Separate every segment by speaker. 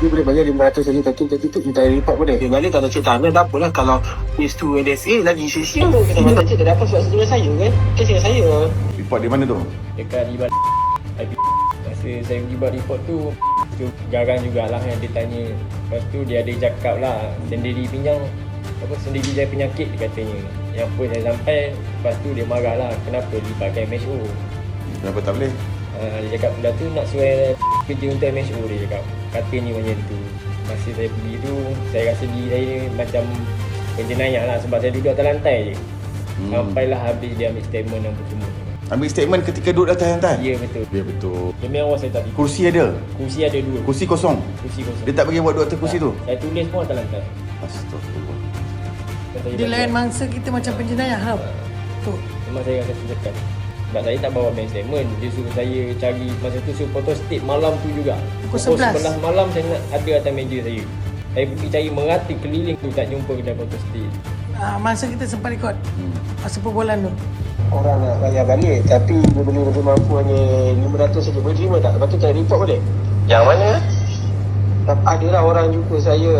Speaker 1: Dia boleh bayar 500 saja, tapi tu kita report boleh. Dia balik kalau cik tanah tak apalah. Kalau case tu NSA lagi sia-sia. Kita mata cik tak dapat surat setuju saya kan. Kes dengan saya.
Speaker 2: Report di mana tu?
Speaker 3: Dekat di balik IP. Masa saya pergi buat report tu garang jugalah yang dia tanya. Lepas tu dia ada cakap lah sendiri pinjang sendiri saya penyakit dia katanya. Yang pun saya sampai, lepas tu dia marah lah kenapa libatkan MSO.
Speaker 2: Kenapa tak boleh?
Speaker 3: Dia cakap dah tu nak suai kerja untuk MSO, dia cakap. Katanya macam tu. Masa saya pergi tu, saya rasa diri saya macam penjenayah lah sebab saya duduk atas lantai je. Sampailah habis dia ambil statement apa semua.
Speaker 2: Ambil statement ketika duduk atas lantai?
Speaker 3: Ya betul.
Speaker 2: Ya betul.
Speaker 3: Demi Allah saya tak tidur.
Speaker 2: Kursi ada?
Speaker 3: Kursi ada 2.
Speaker 2: Kursi kosong?
Speaker 3: Kursi kosong.
Speaker 2: Dia tak bagi buat duduk atas kursi tu?
Speaker 3: Saya tulis pun atas lantai.
Speaker 2: Astagfirullah.
Speaker 4: Di lain mangsa kita macam penjenayah tau. Tu.
Speaker 3: Memang saya rasa tertekan. Sebab saya tak bawa bank statement. Dia suruh saya cari, masa tu suruh photo state malam tu juga.
Speaker 4: Pukul 11
Speaker 3: malam saya nak ada atas meja saya. Saya pergi cari merata keliling tu tak jumpa kedai photo state.
Speaker 4: Masa kita sempat rekod masa perbualan tu.
Speaker 1: Orang nak bayar balik tapi dia boleh lebih mampu hanya 500 saja. Boleh terima tak? Lepas tu kita report boleh? Yang mana? Adalah orang jumpa saya.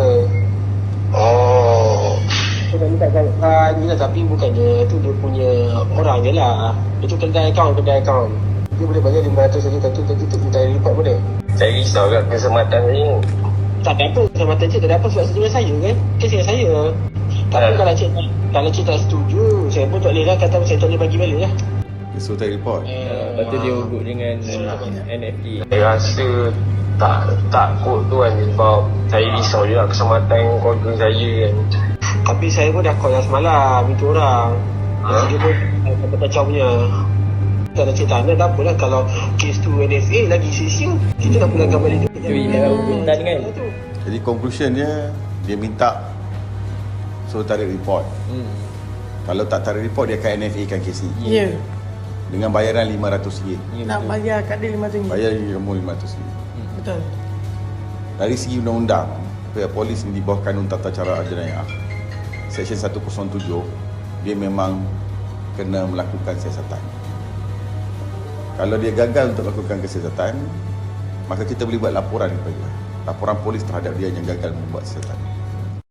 Speaker 1: Oh. Saya minta ni lah tapi bukannya tu dia punya orang je lah. Itu kedai akaun. Dia boleh bayar 500 saja tapi tu kita report boleh? Saya risau kat keselamatan saya. Tak ada apa, keselamatan cik tak ada apa surat setuju saya kan? Kes dengan saya. Tapi kalau cik tak setuju, saya pun tak boleh lah kata saya tak boleh bagi balik lah.
Speaker 2: So tak report?
Speaker 3: Lepas tu dia urut dengan NFA.
Speaker 1: Saya rasa takut tu kan sebab saya risau je lah keselamatan keluarga saya kan. Tapi saya pun dah call semalam minta orang. Dia pun kacau punya. Kalau cik tanah tak apalah. Kalau kes tu NSA lagi sia-sia. Kita dah pulangkan balik tu.
Speaker 3: Itu email urutan kan.
Speaker 2: Jadi conclusion dia minta suruh tarik report. Kalau tak tarik report dia akan NFA kan kes ni.
Speaker 4: Ya.
Speaker 2: Dengan bayaran RM500.
Speaker 4: Nak bayar kat dia RM500.
Speaker 2: Bayar RM500.
Speaker 4: Betul.
Speaker 2: Dari segi undang-undang, pihak polis di bawah Kanun Tata Cara Jenayah Seksyen 107, dia memang kena melakukan siasatan. Kalau dia gagal untuk melakukan kesiasatan, maka kita boleh buat laporan kepada polis terhadap dia yang gagal membuat siasatan.